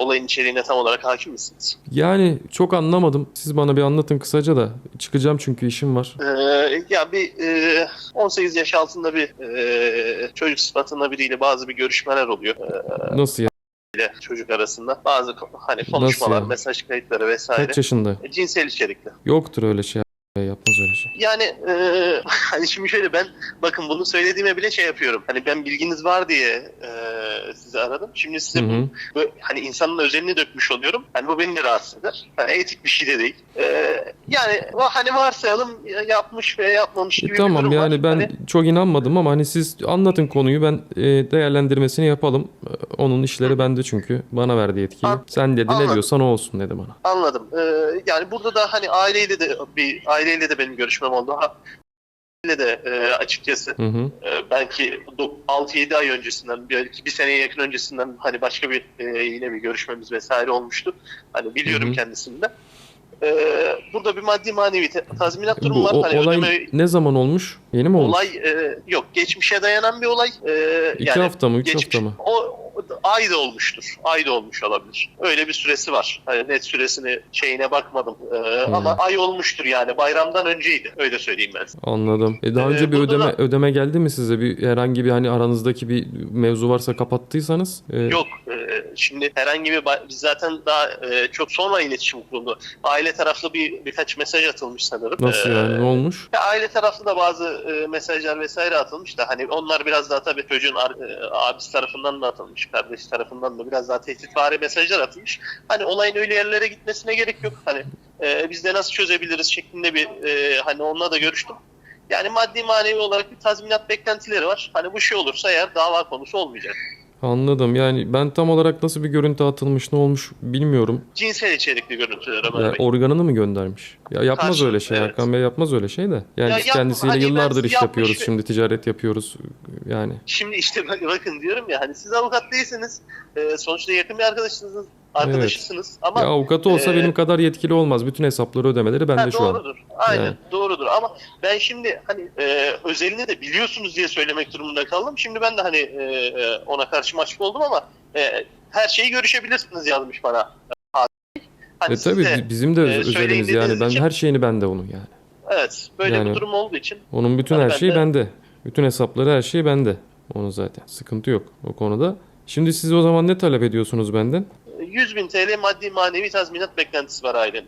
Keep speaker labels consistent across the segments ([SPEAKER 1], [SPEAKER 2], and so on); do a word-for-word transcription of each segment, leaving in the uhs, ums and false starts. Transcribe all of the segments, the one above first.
[SPEAKER 1] olayın içeriğine tam olarak hakim misiniz?
[SPEAKER 2] Yani çok anlamadım. Siz bana bir anlatın kısaca da. Çıkacağım çünkü işim var.
[SPEAKER 1] Ee, ya bir e, on sekiz yaş altında bir e, çocuk sıfatında biriyle bazı bir görüşmeler oluyor. Ee,
[SPEAKER 2] Nasıl ya?
[SPEAKER 1] ile çocuk arasında bazı ko- hani
[SPEAKER 2] Nasıl
[SPEAKER 1] konuşmalar,
[SPEAKER 2] ya?
[SPEAKER 1] mesaj kayıtları vesaire
[SPEAKER 2] Kaç yaşında?
[SPEAKER 1] e, cinsel içerikli.
[SPEAKER 2] Yoktur öyle şey. Yapmaz öyle şey.
[SPEAKER 1] Yani e, hani şimdi şöyle ben bakın bunu söylediğime bile şey yapıyorum. Hani ben bilginiz var diye e, sizi aradım. Şimdi size
[SPEAKER 2] Hı hı.
[SPEAKER 1] bu, bu hani insanın özelini dökmüş oluyorum. Hani bu beni de rahatsız eder. Hani etik bir şey de değil. E, yani hani varsayalım yapmış veya yapmamış
[SPEAKER 2] E,
[SPEAKER 1] gibi bir
[SPEAKER 2] tamam
[SPEAKER 1] durum var.
[SPEAKER 2] yani ben
[SPEAKER 1] Hani,
[SPEAKER 2] çok inanmadım ama hani siz anlatın konuyu, ben e, değerlendirmesini yapalım. E, Onun işleri bende çünkü. Bana verdi yetkiyi.
[SPEAKER 1] An-
[SPEAKER 2] Sen dedi ne
[SPEAKER 1] anladım.
[SPEAKER 2] diyorsan o olsun dedi bana.
[SPEAKER 1] Anladım. Ee, yani burada da hani aileyle de bir aileyle de benim görüşmem oldu. Ha, aileyle de e, açıkçası
[SPEAKER 2] Hı hı.
[SPEAKER 1] e, belki altı yedi ay öncesinden, belki bir seneye yakın öncesinden hani başka bir e, yine bir görüşmemiz vesaire olmuştu. Hani biliyorum
[SPEAKER 2] Hı hı.
[SPEAKER 1] kendisini de. Ee, burada bir maddi manevi te- tazminat
[SPEAKER 2] Bu
[SPEAKER 1] durumu var.
[SPEAKER 2] o,
[SPEAKER 1] Hani
[SPEAKER 2] olay
[SPEAKER 1] ödeme
[SPEAKER 2] ne zaman olmuş? Yeni mi olmuş?
[SPEAKER 1] olay e, yok. Geçmişe dayanan bir olay. Ee,
[SPEAKER 2] İki
[SPEAKER 1] yani
[SPEAKER 2] hafta mı? Üç
[SPEAKER 1] geçmiş,
[SPEAKER 2] hafta mı?
[SPEAKER 1] o, o da- ay da olmuştur. Ay da olmuş olabilir. Öyle bir süresi var. Hani net süresini şeyine bakmadım. Ee,
[SPEAKER 2] Hmm.
[SPEAKER 1] ama ay olmuştur yani. Bayramdan önceydi. Öyle söyleyeyim ben.
[SPEAKER 2] Anladım. E daha
[SPEAKER 1] Ee,
[SPEAKER 2] önce bir
[SPEAKER 1] burada
[SPEAKER 2] ödeme
[SPEAKER 1] da
[SPEAKER 2] ödeme geldi mi size? Bir herhangi bir hani aranızdaki bir mevzu varsa kapattıysanız? E,
[SPEAKER 1] yok. Ee, şimdi herhangi bir ba- biz zaten daha e, çok sonra iletişim kuruldu. Aile taraflı bir birkaç mesaj atılmış sanırım.
[SPEAKER 2] Nasıl yani? Ne
[SPEAKER 1] Ee,
[SPEAKER 2] olmuş?
[SPEAKER 1] Ya aile taraflı da bazı e, mesajlar vesaire atılmış da hani onlar biraz daha tabii çocuğun ar- e, abisi tarafından da atılmış, kardeşi tarafından da biraz daha tehditvari mesajlar atılmış. Hani olayın öyle yerlere gitmesine gerek yok. Hani e, biz de nasıl çözebiliriz şeklinde bir e, hani onunla da görüştüm. Yani maddi manevi olarak bir tazminat beklentileri var. Hani bu şey olursa eğer dava konusu olmayacak.
[SPEAKER 2] Anladım. Yani ben tam olarak nasıl bir görüntü atılmış, ne olmuş bilmiyorum.
[SPEAKER 1] Cinsel içerikli görüntüler Ömer
[SPEAKER 2] Ya
[SPEAKER 1] Bey.
[SPEAKER 2] organını mı göndermiş? Ya yapmaz öyle
[SPEAKER 1] Karşılıklı
[SPEAKER 2] şey.
[SPEAKER 1] evet.
[SPEAKER 2] Hakan Bey yapmaz öyle şey de. Yani
[SPEAKER 1] Ya
[SPEAKER 2] biz
[SPEAKER 1] yapma
[SPEAKER 2] kendisiyle
[SPEAKER 1] hani ben
[SPEAKER 2] yıllardır iş
[SPEAKER 1] yapmış
[SPEAKER 2] yapıyoruz.
[SPEAKER 1] ve
[SPEAKER 2] Şimdi ticaret yapıyoruz. Yani.
[SPEAKER 1] şimdi işte bak- bakın diyorum ya hani siz avukat değilsiniz. Ee, sonuçta yakın bir arkadaşınız,
[SPEAKER 2] Evet.
[SPEAKER 1] arkadaşısınız
[SPEAKER 2] Ya
[SPEAKER 1] ama
[SPEAKER 2] avukatı olsa
[SPEAKER 1] e,
[SPEAKER 2] benim kadar yetkili olmaz. Bütün hesapları, ödemeleri bende
[SPEAKER 1] ha,
[SPEAKER 2] şu an.
[SPEAKER 1] doğrudur. Aynen
[SPEAKER 2] Yani.
[SPEAKER 1] doğrudur ama ben şimdi hani e, özelini de biliyorsunuz diye söylemek durumunda kaldım. Şimdi ben de hani e, e, ona karşı mahcup oldum ama e, her şeyi görüşebilirsiniz yazmış bana. Hani
[SPEAKER 2] E
[SPEAKER 1] siz
[SPEAKER 2] tabii
[SPEAKER 1] de
[SPEAKER 2] bi- bizim de öz-
[SPEAKER 1] e, söyleyin
[SPEAKER 2] özelimiz yani.
[SPEAKER 1] dediğiniz
[SPEAKER 2] Ben
[SPEAKER 1] için
[SPEAKER 2] her şeyini bende onun yani.
[SPEAKER 1] evet böyle bir
[SPEAKER 2] Yani
[SPEAKER 1] durum olduğu için
[SPEAKER 2] onun bütün
[SPEAKER 1] hani
[SPEAKER 2] her
[SPEAKER 1] ben
[SPEAKER 2] şeyi
[SPEAKER 1] de
[SPEAKER 2] bende. Bütün hesapları, her şeyi bende. Onun zaten. Sıkıntı yok o konuda. Şimdi siz o zaman ne talep ediyorsunuz benden?
[SPEAKER 1] yüz bin T L maddi manevi tazminat beklentisi var ailenin.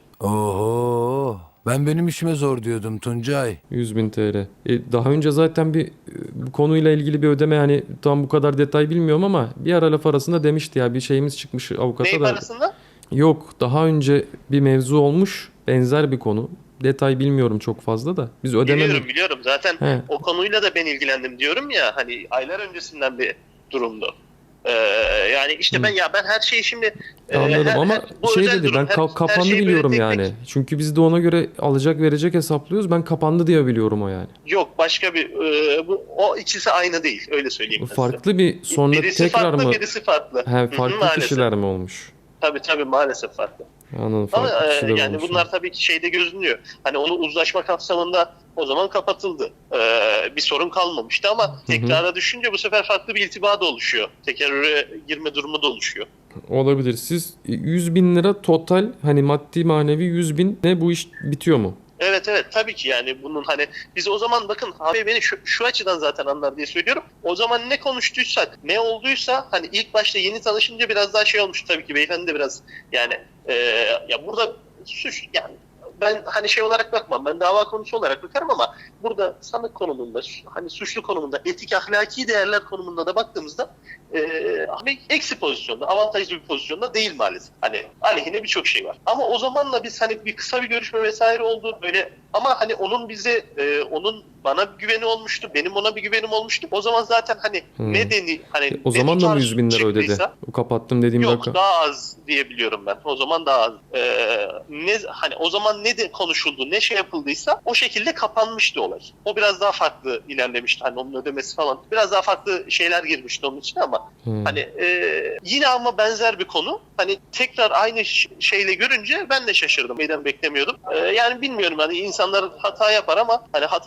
[SPEAKER 3] Oho. Ben benim işime zor diyordum Tuncay.
[SPEAKER 2] yüz bin T L. E, daha önce zaten bir e, bu konuyla ilgili bir ödeme, hani tam bu kadar detay bilmiyorum ama bir ara laf arasında demişti ya, bir şeyimiz çıkmış avukata
[SPEAKER 1] Neyi
[SPEAKER 2] da.
[SPEAKER 1] parasında?
[SPEAKER 2] Yok, daha önce bir mevzu olmuş, benzer bir konu. Detay bilmiyorum çok fazla da. Biz ödeme mi?
[SPEAKER 1] Biliyorum biliyorum. Zaten
[SPEAKER 2] He,
[SPEAKER 1] o konuyla da ben ilgilendim diyorum ya hani aylar öncesinden bir durumdu. Ee, yani işte ben
[SPEAKER 2] hı.
[SPEAKER 1] ya ben her şeyi şimdi e,
[SPEAKER 2] Anladım
[SPEAKER 1] her,
[SPEAKER 2] ama
[SPEAKER 1] her, bu
[SPEAKER 2] şey
[SPEAKER 1] özel
[SPEAKER 2] dedi,
[SPEAKER 1] durum
[SPEAKER 2] ben
[SPEAKER 1] her,
[SPEAKER 2] ka-
[SPEAKER 1] her
[SPEAKER 2] kapandı
[SPEAKER 1] şeyi böyle
[SPEAKER 2] biliyorum
[SPEAKER 1] tek
[SPEAKER 2] yani.
[SPEAKER 1] tek
[SPEAKER 2] Çünkü biz de ona göre alacak verecek hesaplıyoruz. Ben kapandı diye biliyorum o yani.
[SPEAKER 1] yok başka bir e, bu o ikisi aynı değil öyle söyleyeyim ben size.
[SPEAKER 2] Farklı bir sonra
[SPEAKER 1] Birisi
[SPEAKER 2] tekrar
[SPEAKER 1] farklı
[SPEAKER 2] mı?
[SPEAKER 1] birisi farklı.
[SPEAKER 2] He,
[SPEAKER 1] Hı hı,
[SPEAKER 2] farklı
[SPEAKER 1] maalesef.
[SPEAKER 2] kişiler mi olmuş?
[SPEAKER 1] Tabii tabii maalesef farklı.
[SPEAKER 2] Anladım,
[SPEAKER 1] Ama
[SPEAKER 2] farklı
[SPEAKER 1] e,
[SPEAKER 2] kişiler
[SPEAKER 1] yani
[SPEAKER 2] olmuş yani.
[SPEAKER 1] bunlar tabii ki şeyde gözünüyor. Hani onu uzlaşma kapsamında o zaman kapatıldı. Ee, bir sorun kalmamıştı ama
[SPEAKER 2] Hı hı.
[SPEAKER 1] tekrara düşünce bu sefer farklı bir iltiba da oluşuyor. Tekerrüre girme durumu da oluşuyor.
[SPEAKER 2] Olabilir. Siz yüz bin lira total, hani maddi manevi yüz bin, ne bu iş bitiyor mu?
[SPEAKER 1] Evet evet tabii ki yani bunun hani biz o zaman bakın abi beni şu, şu açıdan zaten anlar diye söylüyorum. O zaman ne konuştuysak ne olduysa hani ilk başta yeni tanışınca biraz daha şey olmuş tabii ki beyefendi de biraz yani e, ya burada suç yani ben hani şey olarak bakmam ben dava konusu olarak bakarım ama burada sanık konumunda hani suçlu konumunda etik ahlaki değerler konumunda da baktığımızda e, hani eksi pozisyonda avantajlı bir pozisyonda değil maalesef. Hani aleyhine birçok şey var. Ama o zamanla biz hani bir kısa bir görüşme vesaire oldu böyle ama hani onun bize e, onun bana bir güveni olmuştu. Benim ona bir güvenim olmuştu. O zaman zaten hani
[SPEAKER 2] Hmm.
[SPEAKER 1] medeni hani
[SPEAKER 2] E, o
[SPEAKER 1] ne
[SPEAKER 2] zaman da mı
[SPEAKER 1] tutar
[SPEAKER 2] yüz bin lira ödedi?
[SPEAKER 1] çıktıysa
[SPEAKER 2] O kapattım dediğim
[SPEAKER 1] yok
[SPEAKER 2] rakam.
[SPEAKER 1] daha az diyebiliyorum ben. O zaman daha az. Ee, ne hani o zaman ne de konuşuldu, ne şey yapıldıysa o şekilde kapanmıştı olay. O biraz daha farklı ilerlemişti. Hani onun ödemesi falan. Biraz daha farklı şeyler girmişti onun için ama
[SPEAKER 2] Hmm.
[SPEAKER 1] hani e, yine ama benzer bir konu. Hani tekrar aynı ş- şeyle görünce ben de şaşırdım. Neden beklemiyordum. Ee, yani bilmiyorum hani insanlar hata yapar ama hani hatalar tekrar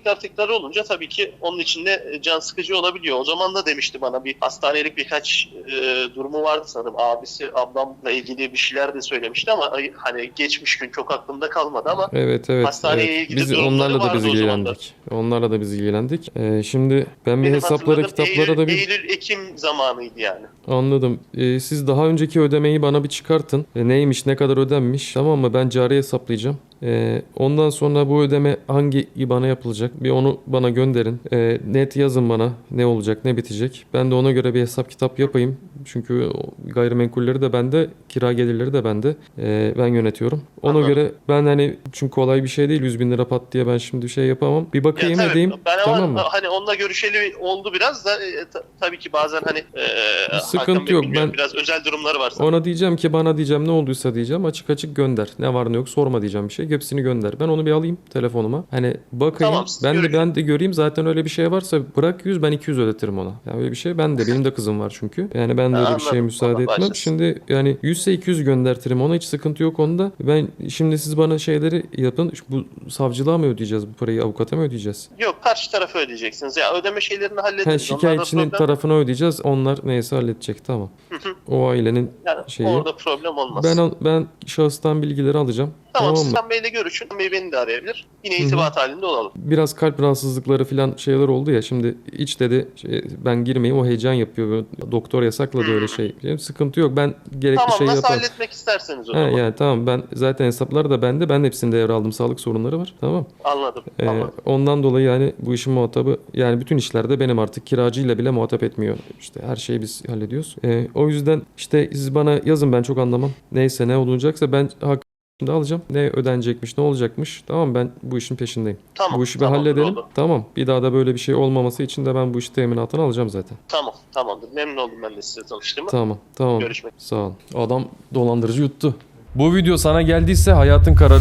[SPEAKER 1] tekrar tekrar olunca tabii ki onun içinde can sıkıcı olabiliyor. O zaman da demişti bana, bir hastanelik birkaç e, durumu vardı sanırım. Abisi ablamla ilgili bir şeyler de söylemişti ama hani geçmiş gün çok aklımda kalmadı ama
[SPEAKER 2] Evet evet.
[SPEAKER 1] hastaneye
[SPEAKER 2] evet.
[SPEAKER 1] ilgili
[SPEAKER 2] Biz
[SPEAKER 1] durumları
[SPEAKER 2] onlarla da
[SPEAKER 1] vardı
[SPEAKER 2] biz
[SPEAKER 1] o zaman da.
[SPEAKER 2] ilgilendik. Onlarla da biz ilgilendik. Ee, şimdi ben bir
[SPEAKER 1] benim
[SPEAKER 2] hesaplara,
[SPEAKER 1] hatırladığım
[SPEAKER 2] kitaplara da bir
[SPEAKER 1] Eylül, Eylül, Ekim zamanıydı yani.
[SPEAKER 2] anladım. Ee, siz daha önceki ödemeyi bana bir çıkartın. E, neymiş, ne kadar ödenmiş, tamam mı? Ben cari hesaplayacağım. Ee, ondan sonra bu ödeme hangi I B A N''a yapılacak? Bir onu bana gönderin. Ee, net yazın bana ne olacak, ne bitecek. Ben de ona göre bir hesap kitap yapayım. Çünkü o gayrimenkulleri de bende, kira gelirleri de bende. Ee, ben yönetiyorum. Ona
[SPEAKER 1] Anladım.
[SPEAKER 2] göre ben hani, çünkü kolay bir şey değil. yüz bin lira pat diye ben şimdi bir şey yapamam. Bir
[SPEAKER 1] Ya
[SPEAKER 2] bakayım
[SPEAKER 1] tabii,
[SPEAKER 2] edeyim.
[SPEAKER 1] ben ama
[SPEAKER 2] Tamam mı?
[SPEAKER 1] hani onunla görüşeli oldu biraz da e, ta- tabii ki bazen hani e,
[SPEAKER 2] Sıkıntı
[SPEAKER 1] Hakan Bey
[SPEAKER 2] yok.
[SPEAKER 1] bilmiyorum,
[SPEAKER 2] Ben-
[SPEAKER 1] biraz özel durumları var sanırım.
[SPEAKER 2] Ona diyeceğim ki, bana diyeceğim ne olduysa diyeceğim, açık açık gönder. Ne var ne yok sorma diyeceğim bir şey. Hepsini gönder. Ben onu bir alayım telefonuma. Hani bakayım.
[SPEAKER 1] Tamam, siz
[SPEAKER 2] ben de
[SPEAKER 1] görün.
[SPEAKER 2] ben de göreyim. Zaten öyle bir şey varsa bırak yüz, ben iki yüz ödetirim ona. Yani öyle bir şey ben de, benim de kızım var çünkü. Yani ben de
[SPEAKER 1] Ha,
[SPEAKER 2] öyle bir şeye
[SPEAKER 1] anladım.
[SPEAKER 2] müsaade
[SPEAKER 1] Allah
[SPEAKER 2] etmem.
[SPEAKER 1] bağışlasın.
[SPEAKER 2] Şimdi yani yüz ise iki yüz göndertirim ona, hiç sıkıntı yok onda. Ben şimdi, siz bana şeyleri yapın. Şu- Bu savcılığa mı ödeyeceğiz bu parayı? Avukata mı ödeyeceğiz?
[SPEAKER 1] Yok, karşı tarafı ödeyeceksiniz. Ya ödeme şeylerini
[SPEAKER 2] Ha,
[SPEAKER 1] hallederiz. Onlarda
[SPEAKER 2] şikayetçinin
[SPEAKER 1] problem-
[SPEAKER 2] tarafına ödeyeceğiz. Onlar neyse halledecek. Tamam. O ailenin
[SPEAKER 1] yani
[SPEAKER 2] şeyi.
[SPEAKER 1] orada problem olmaz.
[SPEAKER 2] Ben al- ben şahıstan bilgileri alacağım.
[SPEAKER 1] tamam,
[SPEAKER 2] Tamam mı?
[SPEAKER 1] Sinan Bey'le görüşün. Sinan Bey beni de arayabilir. Yine
[SPEAKER 2] Hı hı.
[SPEAKER 1] irtibat halinde olalım.
[SPEAKER 2] Biraz kalp rahatsızlıkları falan şeyler oldu ya. Şimdi iç dedi şey, ben girmeyeyim, o heyecan yapıyor. Böyle doktor yasakladı öyle şey. Benim sıkıntı yok. Ben gerekli
[SPEAKER 1] Tamam,
[SPEAKER 2] şeyi
[SPEAKER 1] nasıl
[SPEAKER 2] yaparım.
[SPEAKER 1] halletmek isterseniz o
[SPEAKER 2] Ha,
[SPEAKER 1] zaman.
[SPEAKER 2] yani tamam, ben zaten hesaplar da bende. Ben hepsini devraldım. Sağlık sorunları var. Tamam.
[SPEAKER 1] Anladım.
[SPEAKER 2] Ee,
[SPEAKER 1] Tamam.
[SPEAKER 2] ondan dolayı yani bu işin muhatabı, yani bütün işlerde benim, artık kiracıyla bile muhatap etmiyor. İşte her şeyi biz hallediyoruz. Ee, o yüzden işte siz bana yazın, ben çok anlamam. Neyse, ne olacaksa ben hak şimdi alacağım. Ne ödenecekmiş, ne olacakmış. Tamam, ben bu işin peşindeyim.
[SPEAKER 1] Tamam.
[SPEAKER 2] Bu işi bir
[SPEAKER 1] tamamdır,
[SPEAKER 2] halledelim.
[SPEAKER 1] oldu.
[SPEAKER 2] Tamam. Bir daha da böyle bir şey olmaması için de ben bu işi teminatını alacağım zaten.
[SPEAKER 1] Tamam. Tamamdır. Memnun oldum ben de size tanıştığıma.
[SPEAKER 2] Tamam. Tamam.
[SPEAKER 1] Görüşmek.
[SPEAKER 2] Sağ ol. Adam dolandırıcı yuttu. Bu video sana geldiyse hayatın kararı.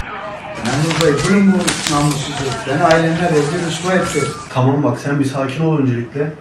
[SPEAKER 4] Memur Bey, bunun bu namussuzluğu. Beni ailemle rezil rüsva etti.
[SPEAKER 5] Tamam bak sen bir sakin ol öncelikle.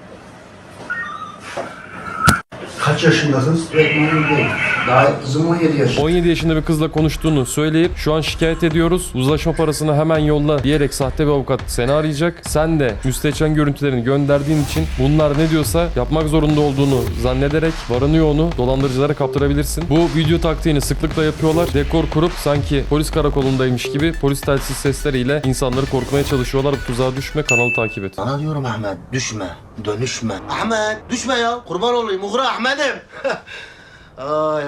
[SPEAKER 5] Kaç yaşındasın?
[SPEAKER 4] Evet memur Bey. Daha kızım on yedi yaşında.
[SPEAKER 2] on yedi yaşında bir kızla konuştuğunu söyleyip şu an şikayet ediyoruz. Uzlaşma parasını hemen yolla diyerek sahte bir avukat seni arayacak. Sen de müstehcen görüntülerini gönderdiğin için bunlar ne diyorsa yapmak zorunda olduğunu zannederek varını yoğunu dolandırıcılara kaptırabilirsin. Bu video taktiğini sıklıkla yapıyorlar. Dekor kurup sanki polis karakolundaymış gibi polis telsiz sesleriyle insanları korkmaya çalışıyorlar. Bu tuzağa düşme, kanalı takip et.
[SPEAKER 6] Sana diyorum Ahmet, düşme, dönüşme. Ahmet, düşme ya. Kurban olayım, uğra Ahmet'im. Ay.